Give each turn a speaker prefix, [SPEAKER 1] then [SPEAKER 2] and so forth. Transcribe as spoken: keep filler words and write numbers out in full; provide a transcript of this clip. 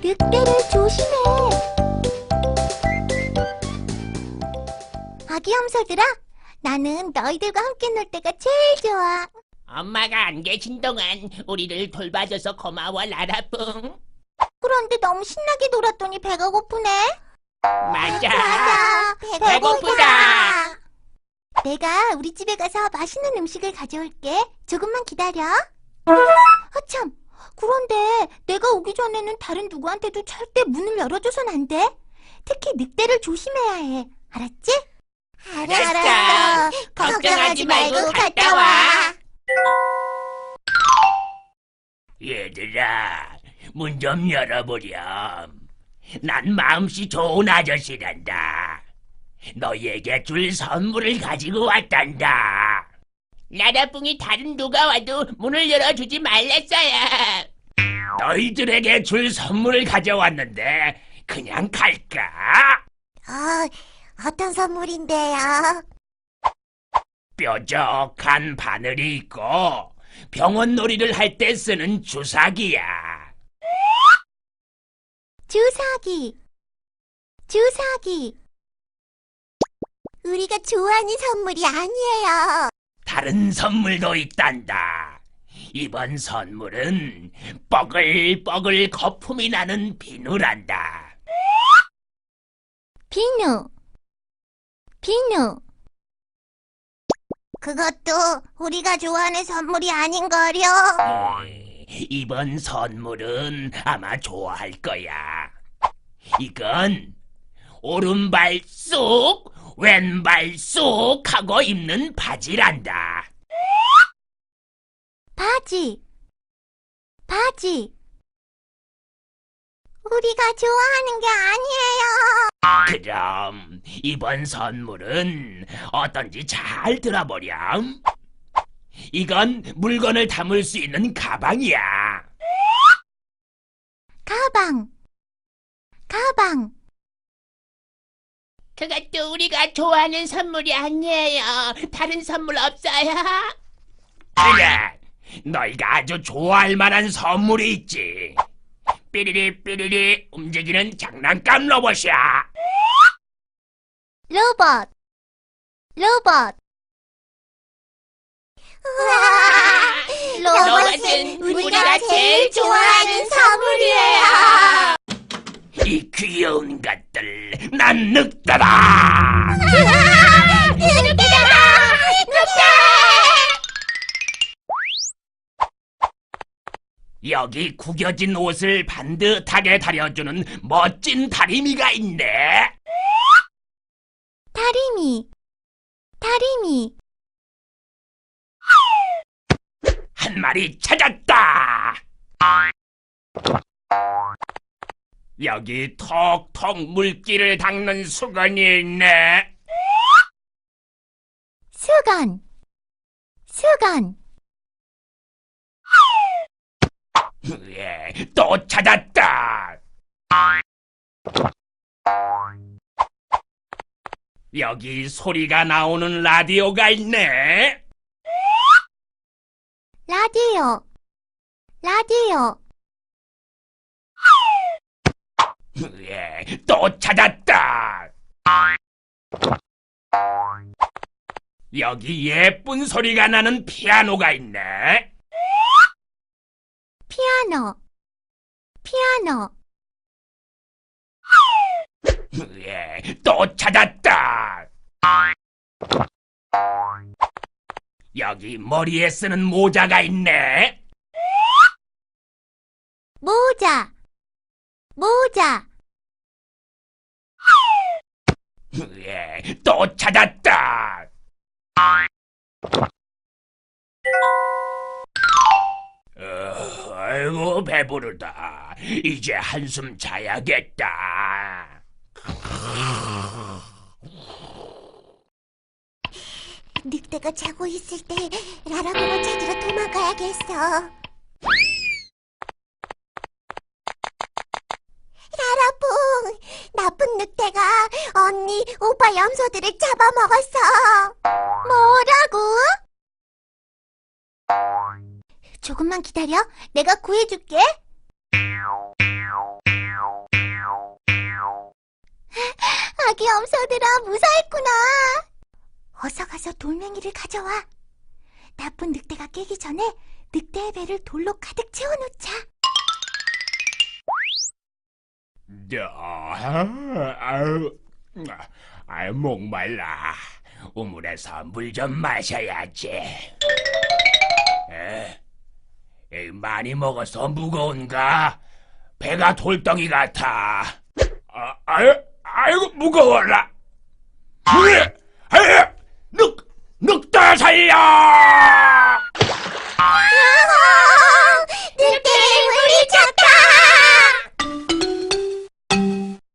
[SPEAKER 1] 늑대를 조심해. 아기 염소들아, 나는 너희들과 함께 놀 때가 제일 좋아.
[SPEAKER 2] 엄마가 안 계신 동안 우리를 돌봐줘서 고마워, 라라뿡.
[SPEAKER 1] 그런데 너무 신나게 놀았더니 배가 고프네.
[SPEAKER 2] 맞아.
[SPEAKER 1] 맞아,
[SPEAKER 2] 배고프다.
[SPEAKER 1] 내가 우리 집에 가서 맛있는 음식을 가져올게. 조금만 기다려. 아참, 그런데 내가 오기 전에는 다른 누구한테도 절대 문을 열어줘선 안 돼. 특히 늑대를 조심해야 해. 알았지?
[SPEAKER 2] 알았어. 걱정하지 말고 갔다 와. 얘들아, 문 좀 열어보렴. 난 마음씨 좋은 아저씨란다. 너희에게 줄 선물을 가지고 왔단다. 라라뿡이 다른 누가 와도 문을 열어주지 말랬어요. 너희들에게 줄 선물을 가져왔는데 그냥 갈까?
[SPEAKER 1] 어, 어떤 선물인데요?
[SPEAKER 2] 뾰족한 바늘이 있고 병원 놀이를 할 때 쓰는 주사기야.
[SPEAKER 1] 주사기. 주사기. 우리가 좋아하는 선물이 아니에요.
[SPEAKER 2] 다른 선물도 있단다. 이번 선물은 뻐글뻐글 거품이 나는 비누란다.
[SPEAKER 1] 비누. 비누. 그것도 우리가 좋아하는 선물이 아닌거려.
[SPEAKER 2] 에이, 이번 선물은 아마 좋아할 거야. 이건 오른발 쏙 왼발 쏙 하고 입는 바지란다.
[SPEAKER 1] 바지. 바지. 우리가 좋아하는 게 아니에요.
[SPEAKER 2] 그럼 이번 선물은 어떤지 잘 들어보렴. 이건 물건을 담을 수 있는 가방이야.
[SPEAKER 1] 가방. 가방.
[SPEAKER 2] 그것도 우리가 좋아하는 선물이 아니에요. 다른 선물 없어요? 그래, 너희가 아주 좋아할 만한 선물이 있지. 삐리리 삐리리 움직이는 장난감 로봇이야.
[SPEAKER 1] 로봇. 로봇. 우와,
[SPEAKER 2] 로봇은 우리가 제일 좋아하는 선물이에요. 이 귀여운 것들, 난 늑대다.
[SPEAKER 1] 늑대다! 늑대!
[SPEAKER 2] 여기 구겨진 옷을 반듯하게 다려주는 멋진 다리미가 있네.
[SPEAKER 1] 다리미. 다리미.
[SPEAKER 2] 한 마리 찾았다. 여기 톡톡 물기를 닦는 수건이 있네.
[SPEAKER 1] 수건. 수건.
[SPEAKER 2] 예, 또 찾았다. 여기 소리가 나오는 라디오가 있네.
[SPEAKER 1] 라디오. 라디오.
[SPEAKER 2] 예, 또 찾았다. 여기 예쁜 소리가 나는 피아노가 있네.
[SPEAKER 1] 피아노. 피아노.
[SPEAKER 2] 예, 또 찾았다. 여기 머리에 쓰는 모자가 있네.
[SPEAKER 1] 모자. 모자.
[SPEAKER 2] 예, 또 찾았다. 어, 아이고 배부르다. 이제 한숨 자야겠다.
[SPEAKER 1] 늑대가 자고 있을 때 라라봉을 찾으러 도망가야겠어. 라라봉, 나쁜 늑대가 언니, 오빠 염소들을 잡아먹었어. 뭐라고? 조금만 기다려. 내가 구해줄게. 염소들아, 무사했구나. 어서 가서 돌멩이를 가져와. 나쁜 늑대가 깨기 전에 늑대의 배를 돌로 가득 채워놓자.
[SPEAKER 2] 아유, 아유, 목말라. 우물에서 물 좀 마셔야지. 에? 에이, 많이 먹어서 무거운가? 배가 돌덩이 같아. 아, 아유, 아이고, 무거워라. 으, 아유, 늑, 늑대 살려!